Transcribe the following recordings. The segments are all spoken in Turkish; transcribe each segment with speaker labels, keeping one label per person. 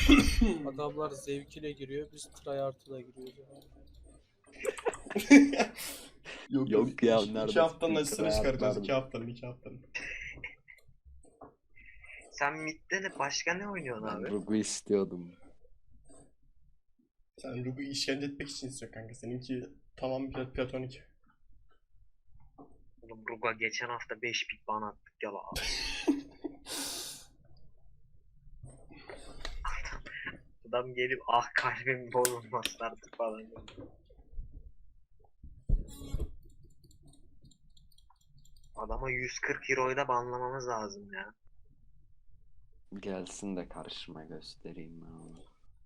Speaker 1: Adamlar zevkine giriyor, biz tryhard'ına giriyoruz.
Speaker 2: Yok ya,
Speaker 3: İki
Speaker 2: nerede
Speaker 3: haftanın acısını çıkaracağız.
Speaker 2: tryhardlar
Speaker 3: 2 haftanın.
Speaker 4: Sen midde de başka ne oynuyorsun
Speaker 2: Ben
Speaker 4: abi?
Speaker 2: Rogu istiyordum.
Speaker 3: Sen Rubu işkence etmek için istiyor kanka. Seninki tamam platonik.
Speaker 4: Oğlum Ruga geçen hafta 5 pik bana attık ya la. Adam gelip ah kalbim bozulmaz artık falan. Adama 140 euroyu da banlamamız lazım ya.
Speaker 2: Gelsin de karşıma göstereyim ben onu.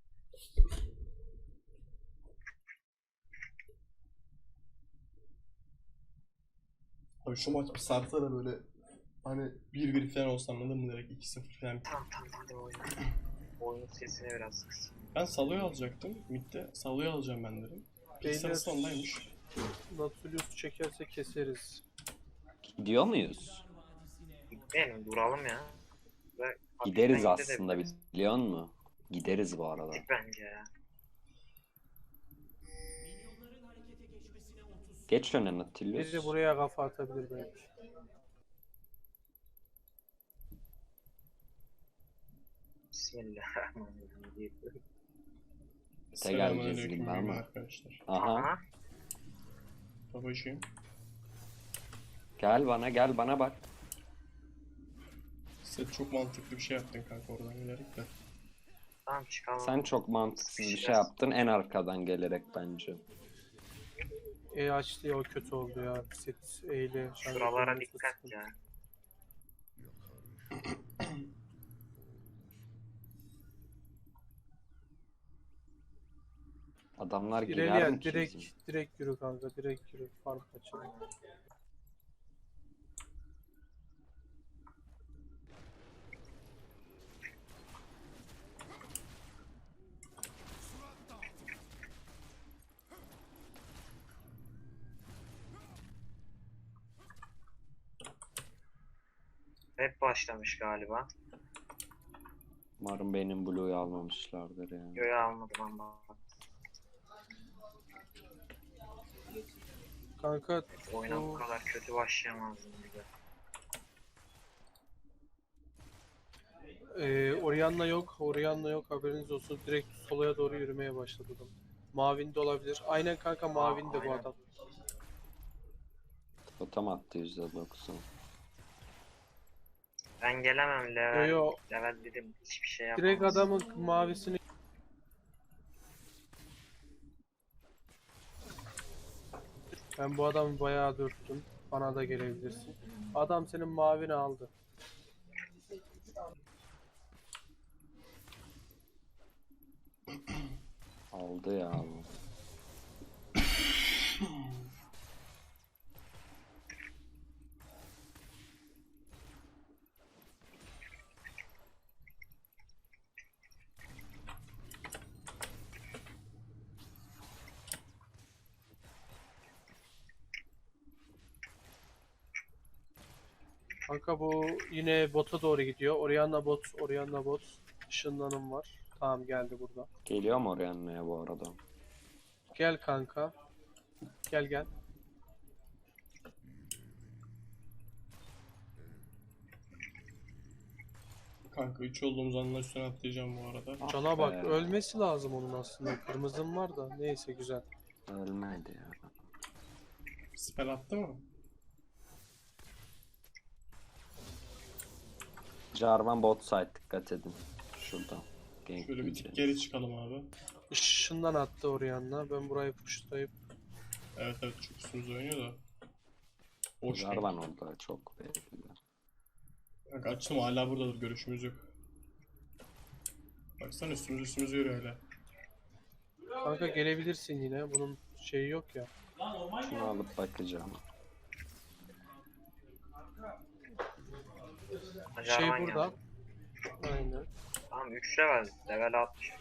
Speaker 3: Abi şu maç bir sarsa da böyle hani 1-1 falan olsa anladın mı, direkt 2-0 falan.
Speaker 4: Tamam hadi oyna. Oyunun sesini biraz kıs.
Speaker 3: Ben Salo'yu alacaktım. Mid'de Salo'yu alacağım ben dedim.
Speaker 1: Beyler,
Speaker 3: Pixar'sı ondaymış.
Speaker 1: Nautilus çekerse keseriz.
Speaker 2: Gidiyor muyuz?
Speaker 4: Gitmeyelim duralım ya. Ve
Speaker 2: Gideriz
Speaker 4: hafiften
Speaker 2: aslında,
Speaker 4: gidebiliriz.
Speaker 2: biliyor musun? Gideriz bu arada.
Speaker 4: Git bence ya.
Speaker 2: Geç öne
Speaker 1: Biri
Speaker 2: Nautilus.
Speaker 1: buraya kafa atabilir belki.
Speaker 4: Bismillahirrahmanirrahim.
Speaker 3: Selamünaleyküm
Speaker 2: gibi ama.
Speaker 3: arkadaşlar.
Speaker 2: Aha.
Speaker 4: Aha.
Speaker 3: Babacığım.
Speaker 2: Gel bana bak.
Speaker 3: Sen çok mantıklı bir şey yaptın kanka oradan gelerek de.
Speaker 4: Tamam çıkalım.
Speaker 2: Sen çok mantıksız bir şey yaptın en arkadan gelerek bence.
Speaker 1: açtı ya, o kötü oldu ya. Set eyle.
Speaker 4: Şuralara dikkat ya.
Speaker 2: Adamlar girer
Speaker 1: İlerleyen
Speaker 2: mi ki
Speaker 1: direkt
Speaker 2: bizim?
Speaker 1: direkt yürü kanka, direkt yürü. Fark açalım.
Speaker 4: Hep başlamış galiba.
Speaker 2: Umarım benim Blue'yu almamışlardır yani.
Speaker 4: Göğe almadım ama.
Speaker 1: Kanka
Speaker 4: Oyuna bu kadar kötü başlayamazdım bir de.
Speaker 1: Orianna yok, haberiniz olsun. Direkt solaya doğru yürümeye başladım. Mavinde olabilir. Aynen kanka, mavinde bu
Speaker 4: aynen.
Speaker 1: adam.
Speaker 2: Totem attı %90.
Speaker 4: Ben gelemem level.
Speaker 1: Yo.
Speaker 4: Level dedim hiçbir şey yapamam.
Speaker 1: Direkt adamın mavisini. Ben bu adamı bayağı dürttüm. Bana da gelebilirsin. Adam senin mavini aldı.
Speaker 2: Aldı ya bu.
Speaker 1: Kanka bu yine bota doğru gidiyor. Orianna bot. Işınlanım var. Tamam, geldi burada.
Speaker 2: Geliyor mu oraya anneye bu arada?
Speaker 1: Gel kanka. Gel.
Speaker 3: Kanka 3 olduğumuz anla üstüne atlayacağım bu arada.
Speaker 2: Ah
Speaker 1: Cana bak,
Speaker 2: be.
Speaker 1: ölmesi lazım onun aslında. Kırmızım var da neyse, güzel.
Speaker 2: Ölmedi ya.
Speaker 3: Spell attı mı?
Speaker 2: Jarvan bot side, dikkat edin. Şurada. Gank
Speaker 3: Şöyle bir tık
Speaker 2: yiyeceğiz.
Speaker 3: geri çıkalım abi.
Speaker 1: Işından attı Orianna. Ben burayı pushlayıp
Speaker 3: Evet çok üstümüzde oynuyor da. Boş
Speaker 2: Jarvan orada çok belli.
Speaker 3: kanka açtım, hala buradadır, görüşümüz yok. Baksana üstümüz yürüyor hala.
Speaker 1: kanka gelebilirsin yine. Bunun şeyi yok ya.
Speaker 2: Şunu alıp bakacağım.
Speaker 1: Şey
Speaker 4: Jarvan
Speaker 1: burada.
Speaker 4: geldi.
Speaker 1: Aynen.
Speaker 4: Tamam 3 level. Level 60.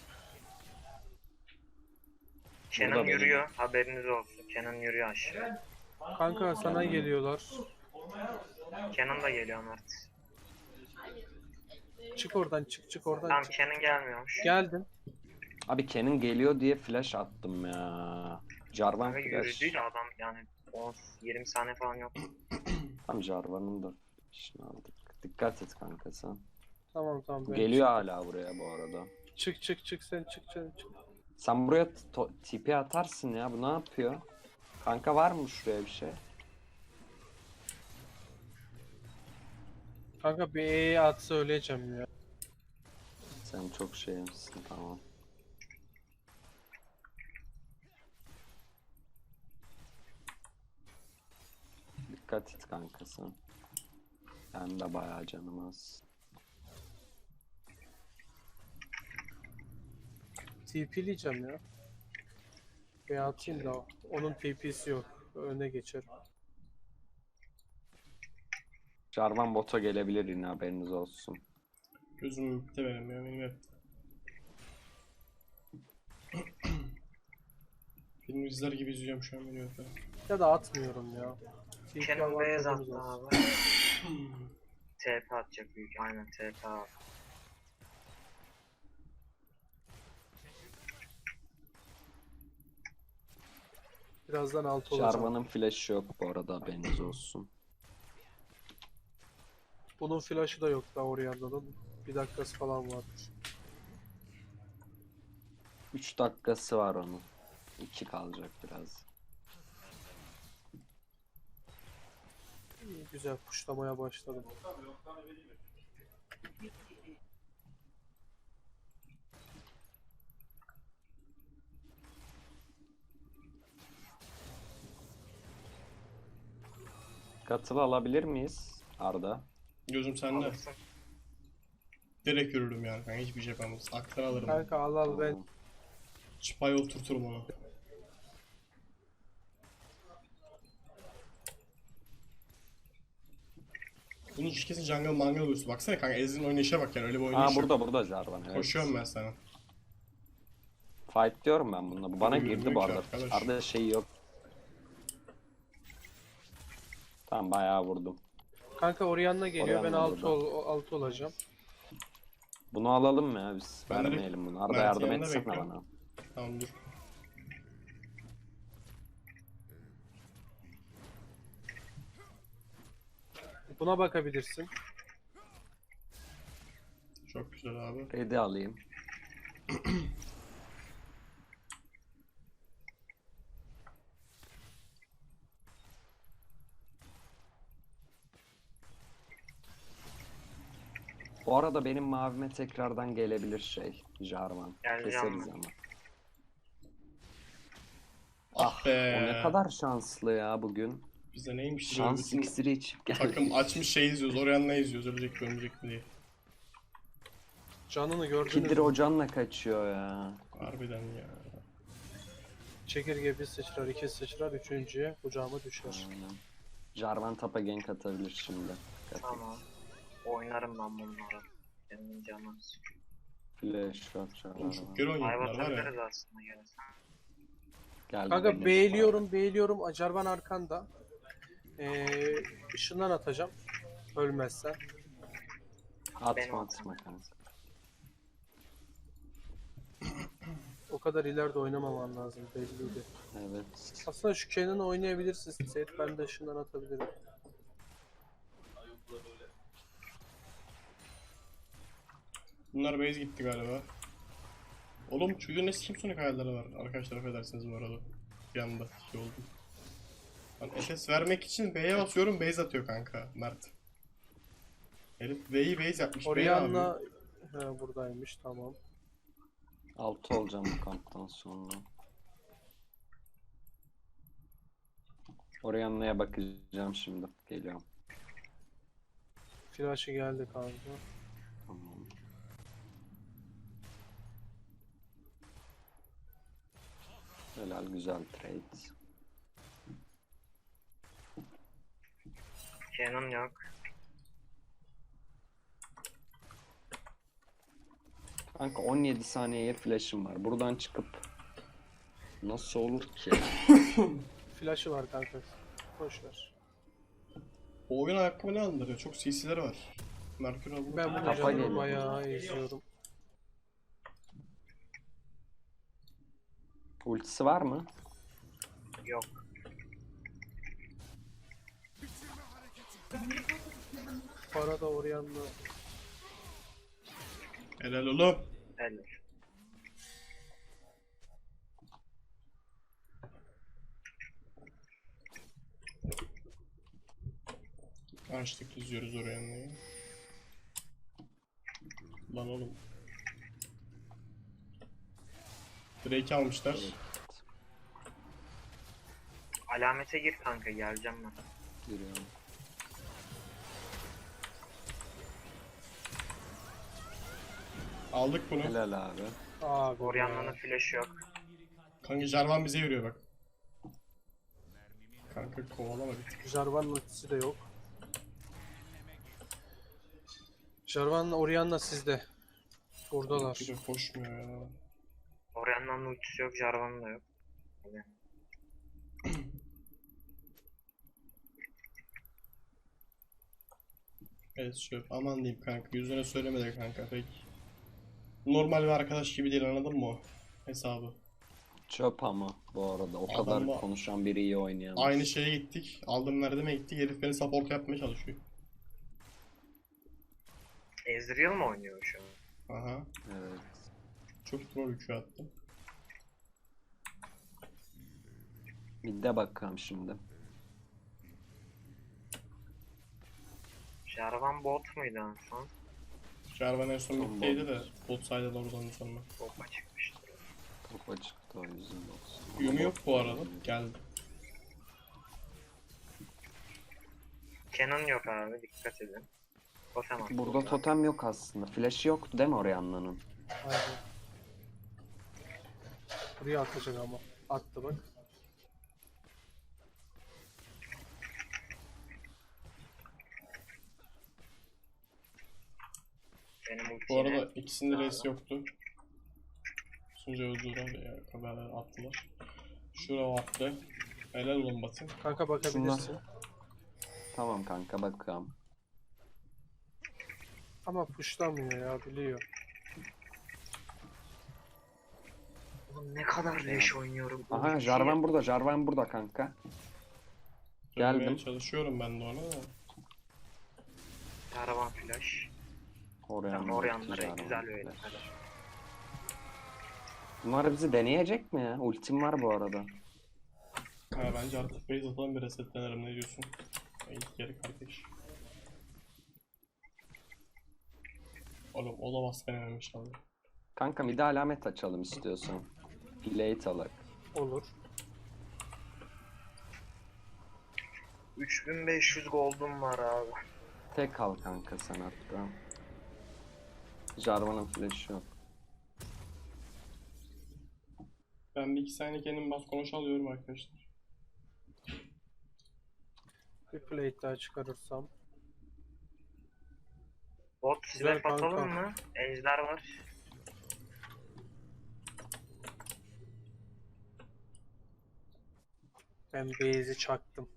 Speaker 4: Kenan
Speaker 2: Burada benim.
Speaker 4: yürüyor. Haberiniz olsun. Kenan yürüyor aşağı.
Speaker 1: Kanka sana geliyorlar.
Speaker 4: Kenan da geliyor Mert.
Speaker 1: Çık oradan, çık oradan
Speaker 4: Tamam
Speaker 1: çık.
Speaker 4: Kenan gelmiyormuş.
Speaker 1: Geldin.
Speaker 2: Abi Kenan geliyor diye flash attım ya. Jarvan
Speaker 4: Kanka
Speaker 2: flash.
Speaker 4: yürüdü ya adam yani 20 saniye falan yok.
Speaker 2: Tam Jarvan'ın da flash'ını aldık. Dikkat et kanka sen.
Speaker 1: Tamam
Speaker 2: Bu
Speaker 1: ben
Speaker 2: geliyor hala buraya bu arada.
Speaker 1: çık sen çık.
Speaker 2: Sen buraya TP atarsın ya. Bu ne yapıyor? Kanka var mı şuraya bir şey?
Speaker 1: Kanka bir E'ye atsa öleceğim ya.
Speaker 2: Sen çok şeymişsin, tamam. Dikkat et kanka sen. Ben de bayağı canım az.
Speaker 1: TP'leyeceğim ya. Bir atayım da onun TP'si yok. Öne geçer.
Speaker 2: Jarvan bota gelebilir yine, haberiniz olsun.
Speaker 3: Gözüm bitti benim ya. Benim hep. Film izler gibi izliyorum şu an beni hep.
Speaker 1: Ya da atmıyorum ya. TP
Speaker 4: Kenan beyaz
Speaker 1: avantajımız
Speaker 4: attı
Speaker 1: olsun.
Speaker 4: abi. TP atacak büyük. Aynen TP abi.
Speaker 1: Birazdan altı olacağım.
Speaker 2: Jarvan'ın flash'ı yok bu arada, haberiniz olsun.
Speaker 1: Bunun flash'ı da yok daha Orianna'nın. Bir dakikası falan vardır.
Speaker 2: 3 dakikası var onun. 2 kalacak biraz.
Speaker 1: İyi, güzel kuşlamaya başladım.
Speaker 2: Katıl alabilir miyiz Arda?
Speaker 3: Gözüm sende.
Speaker 4: Alırsın.
Speaker 3: Direkt yürürüm yani kanka, hiçbir şey yapamaz. Aklını alırım.
Speaker 1: Kanka al ben.
Speaker 2: Tamam.
Speaker 3: Çıpaya oturturum onu. Bunun kesin jungle mangle boostu. Baksana kanka, Ezreal'in oynayışa bak yani, öyle bir oynayış
Speaker 2: Aa,
Speaker 3: yok.
Speaker 2: burada Jarvan, evet.
Speaker 3: Koşuyorum ben sana.
Speaker 2: Fight diyorum ben bununla. Bu bana
Speaker 3: Yürümüyor
Speaker 2: girdi bu
Speaker 3: ki
Speaker 2: arada.
Speaker 3: arkadaş.
Speaker 2: Arda şey yok. Tamam, bayağı vurdum.
Speaker 1: Kanka Orianna geliyor. Ben
Speaker 2: Orianna
Speaker 1: 6
Speaker 2: burada.
Speaker 1: olacağım.
Speaker 2: Bunu alalım mı ya biz?
Speaker 3: Ben de
Speaker 2: Vermeyelim bunu. Arda
Speaker 3: Mert'in
Speaker 2: yardım
Speaker 3: yanında
Speaker 2: etsene
Speaker 3: bekliyorum.
Speaker 2: bana.
Speaker 3: Tamam dur.
Speaker 1: Buna bakabilirsin.
Speaker 3: Çok güzel abi.
Speaker 2: Red'i alayım. Bu arada benim mavime tekrardan gelebilir şey. Jarvan.
Speaker 4: Geleceğim
Speaker 2: Keseriz
Speaker 4: ben.
Speaker 2: ama.
Speaker 3: Ah be.
Speaker 2: O ne kadar şanslı ya bugün.
Speaker 3: Bize neymiş böyle
Speaker 2: Şans
Speaker 3: bütün
Speaker 2: iksiri içip geldi.
Speaker 3: takım açmış şey izliyoruz. Orianna izliyoruz. Ölecek mi ölmeyecek mi diye.
Speaker 1: Canını gördünüz
Speaker 2: Kidir
Speaker 1: mü?
Speaker 2: Hocan'la kaçıyor ya.
Speaker 3: Harbiden ya.
Speaker 1: Çekirge bir sıçrar, iki sıçrar, üçüncüye kucağıma düşer.
Speaker 2: Aynen. Jarvan tapa gank atabilir şimdi. Dikkat et.
Speaker 4: Tamam. Oynarım ben bunları. Benim canım.
Speaker 2: Flash shot
Speaker 3: Oğlum
Speaker 2: Jarvan.
Speaker 3: çok geri oynuyor
Speaker 4: Dive
Speaker 3: bunlar var ya.
Speaker 4: atabiliriz aslında gelirsen.
Speaker 2: Geldi
Speaker 1: Kanka
Speaker 2: benim.
Speaker 1: beğliyorum. Acarban arkanda. Işından atacağım. Ölmezsen.
Speaker 2: Atma atma kanka.
Speaker 1: O kadar ileride oynamaman lazım belliydi.
Speaker 2: Evet.
Speaker 1: Aslında şu Kenan'ı oynayabilirsin. Seyit ben de ışından atabilirim.
Speaker 3: Bunlar base gitti galiba. Oğlum çocuğun ne sikim sonic hayalleri var. Arkadaşlar affedersiniz bu arada. Bir anda şey oldu. Ben SS vermek için B'ye basıyorum, base atıyor kanka Mert. Herif B'yi base yapmış. B ne yapıyor?
Speaker 1: Orianna buradaymış tamam.
Speaker 2: 6 olacağım bu kamptan sonra. Orianna'ya bakacağım şimdi. Geliyorum.
Speaker 1: Flash'ı geldi kanka.
Speaker 2: Tamam. Helal, güzel trade.
Speaker 4: Kenan yok.
Speaker 2: Kanka 17 saniyeye flash'ım var. Buradan çıkıp nasıl olur ki?
Speaker 1: Flash'ı var kanka. Boş ver.
Speaker 3: Bu oyun ayakkabı ne andırıyor? Çok CC'leri var. Merkür aldım.
Speaker 1: Ben bu
Speaker 2: Tapa
Speaker 1: canımı
Speaker 2: geliyor.
Speaker 1: bayağı izliyorum.
Speaker 2: Ultisi var mı?
Speaker 4: Yok.
Speaker 1: Para da Orianna.
Speaker 3: Helal oğlum.
Speaker 4: Helal.
Speaker 3: Açtık izliyoruz oraya. Lan oğlum. Drake almışlar.
Speaker 4: Alamete gir kanka, geleceğim ben.
Speaker 2: Giriyorum.
Speaker 3: Aldık bunu.
Speaker 2: Helal abi.
Speaker 1: Abi
Speaker 4: Orianna'nın
Speaker 1: ya.
Speaker 4: flash'ı yok.
Speaker 3: Kanka Jarvan bize yürüyor bak. Kanka kovalama bir tık.
Speaker 1: Jarvan'ın ultisi de yok. Jarvan'la Orianna sizde. Buradalar.
Speaker 3: Bir de koşmuyor ya.
Speaker 4: Orianna'nın ultisi yok, Jarvan'ın da yok.
Speaker 3: Evet şöyle aman diyeyim kanka. Yüzüne söylemedi kanka pek. Normal bir arkadaş gibi değil, anladın mı o hesabı?
Speaker 2: Çöp ama bu arada. O
Speaker 3: Adamla-
Speaker 2: kadar konuşan biri iyi oynayamaz.
Speaker 3: Aynı şeye gittik. Aldım Erdem'e gittik. Herif beni support yapmaya çalışıyor.
Speaker 4: Ezreal mı oynuyor şu an?
Speaker 3: Aha.
Speaker 2: Evet.
Speaker 3: Çok troll yükü attım.
Speaker 2: Mid'e bakalım şimdi.
Speaker 4: Jarvan bot muydu en son?
Speaker 3: Jarvan en son
Speaker 2: Son
Speaker 3: bittiydi
Speaker 2: bot.
Speaker 3: de bot saydılar oradan sonra.
Speaker 4: Bopa çıkmıştır.
Speaker 2: Topa çıktı o yüzden olsun.
Speaker 3: Yumi yok bu arada. Geldi.
Speaker 4: Canon yok abi, dikkat edin. Totem attı
Speaker 2: Burada
Speaker 4: burada.
Speaker 2: totem yok aslında. Flash'ı yoktu değil mi Orianna'nın?
Speaker 1: Aynen. Buraya atacak ama. Attı bak.
Speaker 4: Benim ulti
Speaker 3: Bu arada
Speaker 4: yine-
Speaker 3: ikisinde res yoktu. Sunca öldüler ya. Haberler attılar. Şura attı. Helal olun Batı.
Speaker 1: Kanka bakabilirsin.
Speaker 2: Tamam kanka bakalım.
Speaker 1: Ama pushlamıyor ya, biliyor.
Speaker 4: Oğlum ne kadar leş oynuyorum.
Speaker 2: Aha
Speaker 4: Ulti-
Speaker 2: Jarvan burada. Jarvan burada kanka. Geldim.
Speaker 3: Dönmeye çalışıyorum ben de ona da.
Speaker 4: Jarvan flash.
Speaker 2: Orianna.
Speaker 4: Tamam, Orianna'ları
Speaker 2: Jarvan
Speaker 4: güzel böyle.
Speaker 2: flash.
Speaker 4: Hadi.
Speaker 2: Bunlar bizi deneyecek mi ya? Ultim var bu arada.
Speaker 3: Ha, bence artık base atalım, bir resetlenelim, ne diyorsun? İlk geri kardeş. Oğlum olamaz denememiş abi.
Speaker 2: Kanka bir de alamet açalım istiyorsan. Late alak.
Speaker 1: Olur.
Speaker 4: 3500 gold'um var abi.
Speaker 2: Tek al kanka sen hatta. Jarvan'ın flash'ı yok.
Speaker 3: Ben bir iki saniye kendim bas konuş alıyorum arkadaşlar.
Speaker 1: Bir plate daha çıkarırsam.
Speaker 4: Bot
Speaker 1: Güzel
Speaker 4: size atalım
Speaker 1: kanka.
Speaker 4: mı? Ejder var.
Speaker 1: Ben base'i çaktım.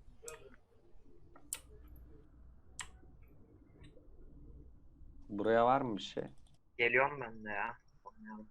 Speaker 2: Buraya var mı bir şey?
Speaker 4: Geliyorum ben de ya. Oynayalım.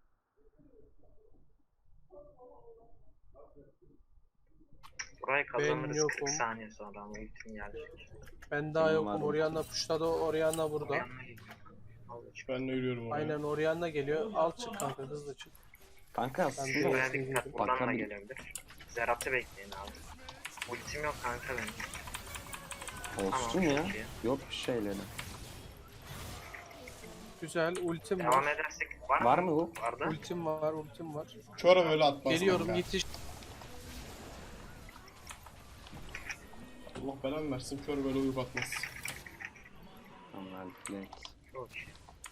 Speaker 4: Burayı kazanırız
Speaker 1: yokum.
Speaker 4: 40 saniye sonra ama ultim gelecek.
Speaker 1: Ben daha
Speaker 2: Benim var
Speaker 1: yokum.
Speaker 2: ultim.
Speaker 1: Orianna pushladı. Orianna burada.
Speaker 4: Orianna geliyor. Al çık.
Speaker 3: Ben de yürüyorum oraya.
Speaker 1: Aynen Orianna geliyor. Al çık kanka, hızlı çık.
Speaker 2: Kanka
Speaker 1: Ben
Speaker 2: aslında
Speaker 1: de-
Speaker 4: Buraya dikkat, buradan da
Speaker 2: Bakabil-
Speaker 4: gelebilir. Zerat'ı bekleyin abi. Ultim yok kanka benim.
Speaker 2: olsun
Speaker 4: Tamam,
Speaker 2: ya.
Speaker 4: çok iyi.
Speaker 2: Yok bir şeyleri.
Speaker 1: Güzel. Ultim
Speaker 4: Devam
Speaker 1: var.
Speaker 4: edersek var,
Speaker 2: Var mı bu?
Speaker 4: Vardı.
Speaker 1: Ultim var. Ultim var.
Speaker 3: Çora böyle atmaz
Speaker 1: Geliyorum,
Speaker 3: kanka.
Speaker 1: yetiş.
Speaker 3: Allah belanı versin, kör böyle uyup atmaz.
Speaker 2: Tamam late.
Speaker 4: Çok iyi.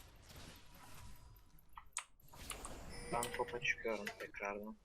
Speaker 4: Ben topa çıkıyorum tekrardan.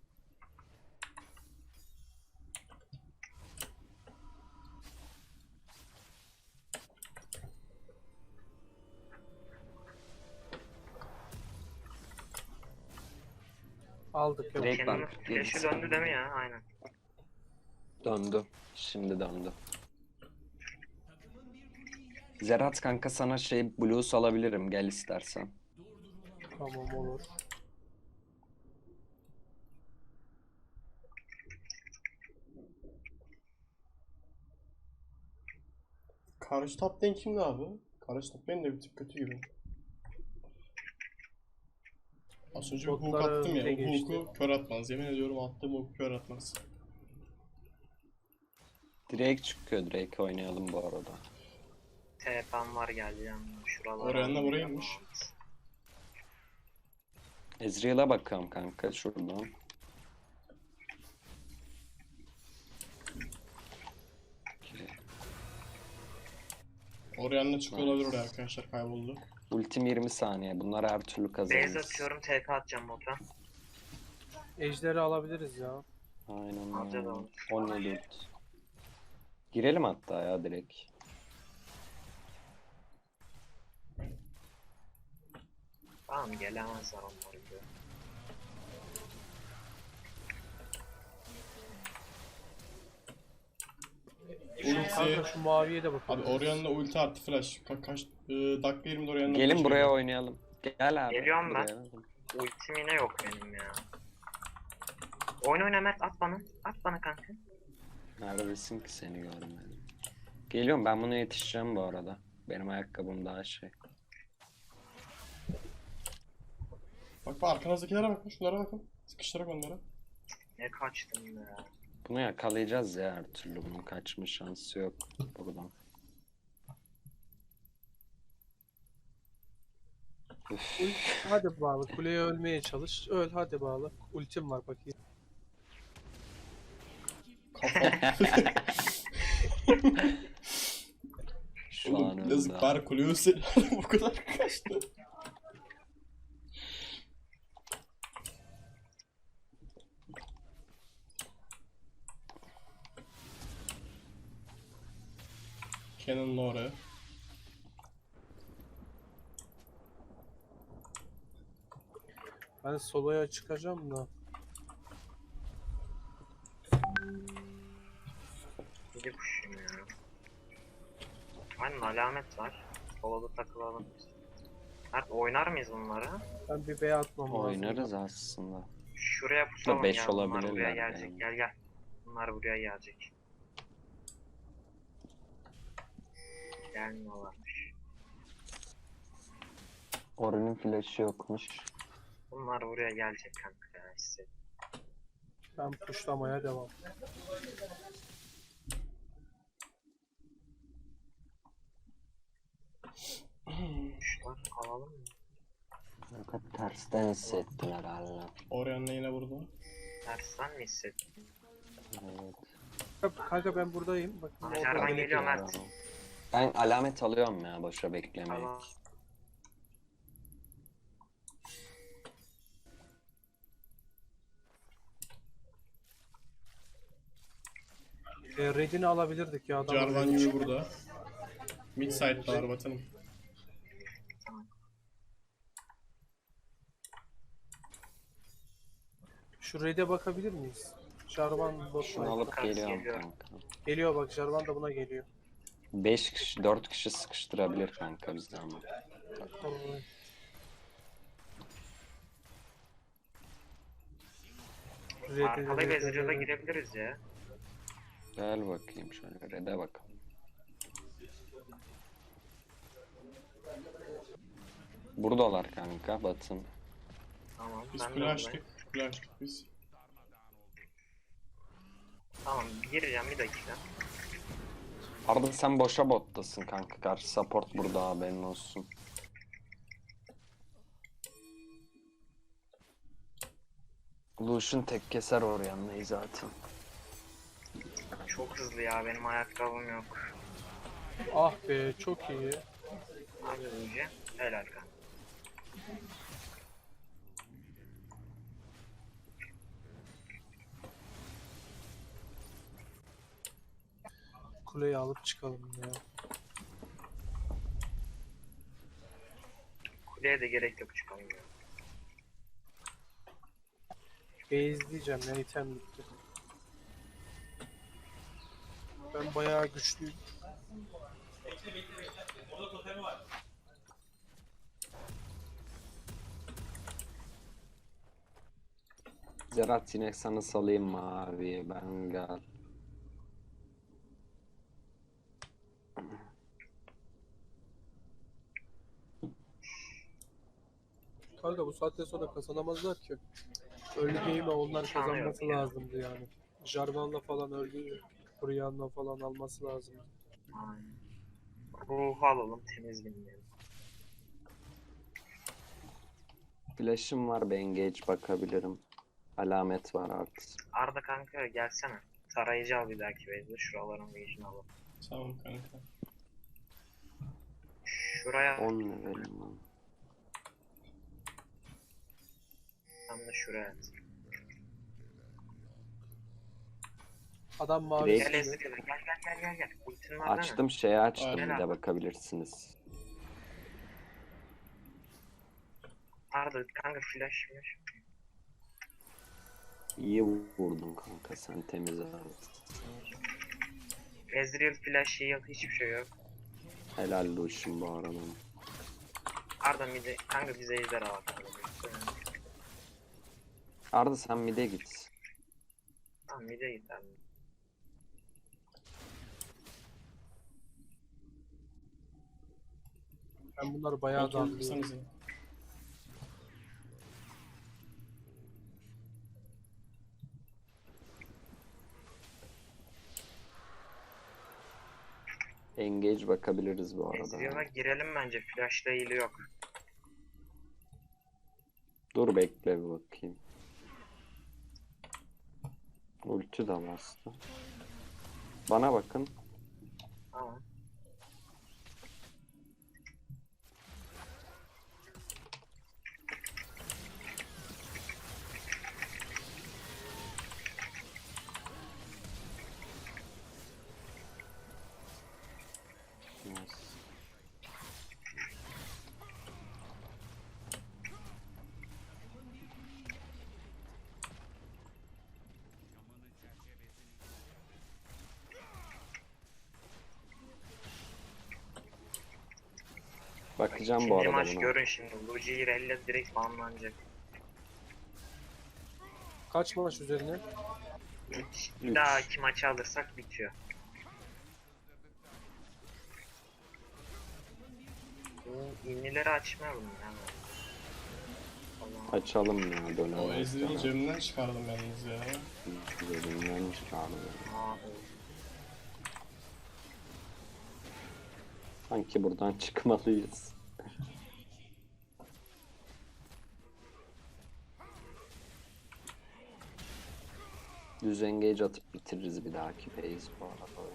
Speaker 1: Aldık yok.
Speaker 2: Direkt
Speaker 4: Kenan'ın
Speaker 2: bak,
Speaker 4: flash'ı
Speaker 2: gerisi
Speaker 4: döndü
Speaker 2: bende.
Speaker 4: değil mi ya? Aynen.
Speaker 2: Döndü. Şimdi döndü. Zerat kanka sana şey blues alabilirim gel istersen.
Speaker 1: Tamam olur.
Speaker 3: Karşı top lane kimdi abi? Karşı top lane de bir tık kötü gibi. Az önce bir hook
Speaker 1: Botlara
Speaker 3: attım ya.
Speaker 1: öte
Speaker 3: O
Speaker 1: geçti.
Speaker 3: hook'u kör atmaz. Yemin ediyorum attığım hook kör atmaz.
Speaker 2: Drake çıkıyor. Drake oynayalım bu arada.
Speaker 4: TP'm var geleceğim. Şuralara.
Speaker 3: Oraya da buraymış.
Speaker 2: Ezreal'a bakalım kanka şuradan.
Speaker 3: Oraya çıkıyor olabilir oraya arkadaşlar, kayboldu.
Speaker 2: Ultim 20 saniye. Bunlar her türlü
Speaker 4: Base
Speaker 2: kazanırız.
Speaker 4: atıyorum, TP atacağım bota.
Speaker 1: Ejderi alabiliriz ya.
Speaker 2: Aynen
Speaker 4: Alacağız
Speaker 2: öyle.
Speaker 4: abi.
Speaker 2: 17 ult. Girelim hatta ya direkt.
Speaker 4: Tamam, gelemezler onlar gibi.
Speaker 1: Kanka
Speaker 3: Ulti.
Speaker 1: şu maviye de
Speaker 3: Abi
Speaker 1: bakalım.
Speaker 3: Orion'la ulti artı flash. Kaç dakika 20'de Orion'la
Speaker 2: Gelin
Speaker 3: flash
Speaker 2: buraya
Speaker 3: geliyor.
Speaker 2: oynayalım. Gel abi.
Speaker 4: Geliyorum ben.
Speaker 2: buraya.
Speaker 4: Ultim yine yok benim ya. Oyna Mert, at bana. At bana kanka.
Speaker 2: Neredesin ki seni görmedim. Geliyorum ben buna yetişeceğim bu arada. Benim ayakkabım daha şey.
Speaker 3: Bak bak arkanızdakilere bakın, şunlara bakın. Sıkıştırarak onlara.
Speaker 4: Ne kaçtım ya.
Speaker 2: Bunu yakalayacağız ya her türlü. Bunun kaçma şansı yok buradan. Üf.
Speaker 1: Hadi bağlı. Kuleye ölmeye çalış. Öl hadi bağlı. Ultim var bakayım.
Speaker 3: Kafa.
Speaker 2: Şu an
Speaker 3: Oğlum
Speaker 2: öldü.
Speaker 3: yazık, bari kulübü seni bu kadar kaçtı. Cannon'la oraya.
Speaker 1: Ben soloya çıkacağım da.
Speaker 4: Gidip kuşum ya. Aynen, alamet var. Solada takılalım biz. Mert, oynar mıyız bunları?
Speaker 1: Ben bir B atmam lazım.
Speaker 2: Oynarız aslında.
Speaker 4: Şuraya pusalım
Speaker 2: beş
Speaker 4: ya. Bunlar buraya
Speaker 2: olabilirler
Speaker 4: gelecek.
Speaker 2: yani.
Speaker 4: Gel gel. Bunlar buraya gelecek. Gelmiyorlarmış.
Speaker 2: Orun'un flash'ı yokmuş.
Speaker 4: Bunlar buraya gelecek kanka ya, hissettim.
Speaker 1: Ben puşlamaya devam.
Speaker 4: Şunlar alalım mı?
Speaker 2: Fakat tersten hissettim herhalde.
Speaker 3: Orion'la yine burada.
Speaker 4: Tersten mi hissettin?
Speaker 2: Evet.
Speaker 1: Kanka ben buradayım. Bakın
Speaker 4: Aha,
Speaker 1: orada
Speaker 4: Jarvan
Speaker 1: gerek
Speaker 4: geliyor
Speaker 1: yok.
Speaker 4: Mert.
Speaker 2: Ben alamet alıyorum ya boşa beklemeyin.
Speaker 4: Tamam.
Speaker 1: Red'ini alabilirdik ya. Adam
Speaker 3: Jarvan
Speaker 1: öyle
Speaker 3: gibi burada. Mid side'da var batanım.
Speaker 1: Şu Red'e bakabilir miyiz? Jarvan
Speaker 2: Şunu
Speaker 1: botla.
Speaker 2: alıp
Speaker 4: Kanka,
Speaker 2: geliyorum
Speaker 4: geliyor.
Speaker 2: kanka.
Speaker 1: Geliyor bak, Jarvan da buna geliyor.
Speaker 2: 5 kişi 4 kişi sıkıştırabilir kanka bizden ama.
Speaker 1: Vallahi.
Speaker 4: Arkalayıp Ezreal'a girebiliriz ya.
Speaker 2: Gel bakayım şöyle red'e bakalım. Buradalar kanka batın.
Speaker 4: Tamam,
Speaker 3: Biz
Speaker 4: ben de
Speaker 3: kule
Speaker 4: buradayım.
Speaker 3: açtık. Kule açtık biz.
Speaker 4: Tamam, gireceğim bir dakika.
Speaker 2: Arda sen boşa bottasın kanka. Karşı support burada haberin olsun. Lucian tek keser oraya zaten.
Speaker 4: Çok hızlı ya, benim ayakkabım yok.
Speaker 1: Ah be, çok iyi.
Speaker 4: Hadi önce. Helal kanka.
Speaker 1: Kuleyi alıp çıkalım ya.
Speaker 4: Kuleye de gerek yok, çıkalım ya.
Speaker 1: Base'leyeceğim ya, item bitti. Ben bayağı güçlüyüm.
Speaker 2: Zerat yine sana salayım mı abi? Ben gel.
Speaker 1: Kanka bu saatten sonra kazanamazlar ki. Early game'e onlar
Speaker 4: Sanıyorum
Speaker 1: kazanması
Speaker 4: ya.
Speaker 1: lazımdı yani. Jarvan'la falan öldü. Orianna falan alması lazımdı.
Speaker 4: Aynen. Ruhu alalım temiz dinleyelim.
Speaker 2: Flash'ım var, bir engage bakabilirim. Alamet var artık.
Speaker 4: Arda kanka gelsene. Tarayıcı al bir dahaki base'de. Şuraların vision alalım.
Speaker 3: Tamam kanka.
Speaker 4: Şuraya
Speaker 2: 10 levelim var.
Speaker 4: tam da şuraya at.
Speaker 1: Adam mavi
Speaker 2: Direkt-
Speaker 4: Gel
Speaker 1: çiziyor.
Speaker 4: Ezreal'a gel. Ultin var değil mi?
Speaker 2: Açtım, şeyi açtım,
Speaker 3: Aynen.
Speaker 2: bir de bakabilirsiniz.
Speaker 4: Arda kanka flash.
Speaker 2: İyi vurdun kanka, sen temiz aldın.
Speaker 4: Ezreal flash yok hiçbir şey yok.
Speaker 2: Helal Lucian bu arada.
Speaker 4: Arda midi kanka bize ejder al.
Speaker 2: Arda sen mid'e git.
Speaker 4: Tamam mide git abi.
Speaker 1: Ben bunları bayağı
Speaker 3: Kontrol
Speaker 1: darlıyorum.
Speaker 3: kırsanıza.
Speaker 2: Engage bakabiliriz bu arada.
Speaker 4: Ezreal'a girelim bence flash'la heal'i yok.
Speaker 2: Dur bekle bir bakayım. Ulti de bastı. Bana bakın.
Speaker 4: Tamam.
Speaker 2: Nice. Bakacağım bu
Speaker 4: İkinci
Speaker 2: arada
Speaker 4: maç
Speaker 2: buna.
Speaker 4: görün şimdi. Luigi Irel'le direkt banlanacak.
Speaker 1: Kaç maç üzerine?
Speaker 4: Bir
Speaker 2: Üç.
Speaker 4: dahaki maçı alırsak bitiyor. Bu İnlileri açmayalım ya. Allah'ım.
Speaker 2: Açalım ya,
Speaker 3: O
Speaker 2: dönelim.
Speaker 3: Ezreal'ı cebimden çıkardım yalnız ya.
Speaker 2: Cebimden çıkardım.
Speaker 4: Aa,
Speaker 2: Sanki buradan çıkmalıyız. Düz engage atıp bitiririz bir dahaki phase bu arada.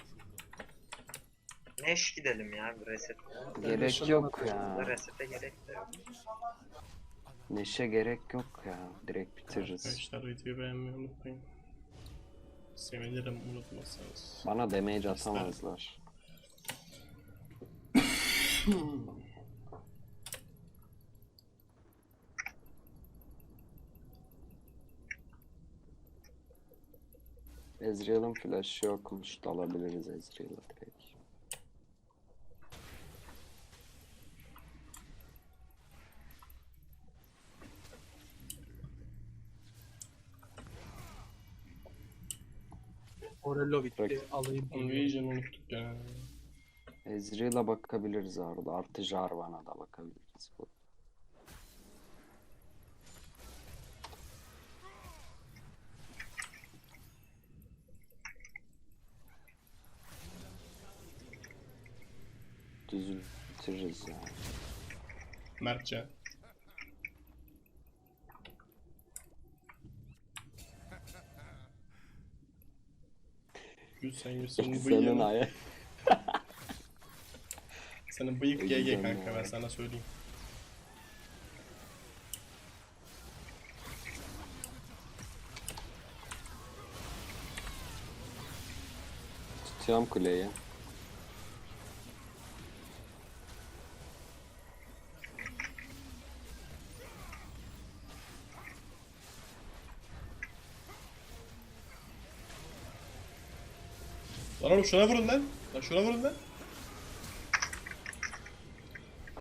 Speaker 4: Neş gidelim ya bir reset.
Speaker 2: Gerek yok ya.
Speaker 4: Resete gerek de yok.
Speaker 2: Neşe gerek yok ya. Direkt bitiririz.
Speaker 3: Arkadaşlar videoyu beğenmeyi unutmayın. Sevinirim unutmazsanız.
Speaker 2: Bana damage atamazlar. Ezreal'ın flash'ı yokmuş. Dalabiliriz Ezreal'a direkt.
Speaker 1: Morello bitti.
Speaker 2: Bırak.
Speaker 1: Alayım.
Speaker 3: Invasion unuttuk ya.
Speaker 2: Ezreal'a bakabiliriz arada. Artı Jarvan'a da bakabiliriz. Düz bitiririz ya.
Speaker 3: Mertcan. Gül sen senin
Speaker 2: Senin
Speaker 3: bıyığın.
Speaker 2: aya.
Speaker 3: Senin bıyık GG
Speaker 2: Güzel
Speaker 3: kanka
Speaker 2: ya.
Speaker 3: ben sana söyleyeyim.
Speaker 2: Tutuyorum kuleyi.
Speaker 3: Lan oğlum şuna vurun lan. Lan şuna vurun lan.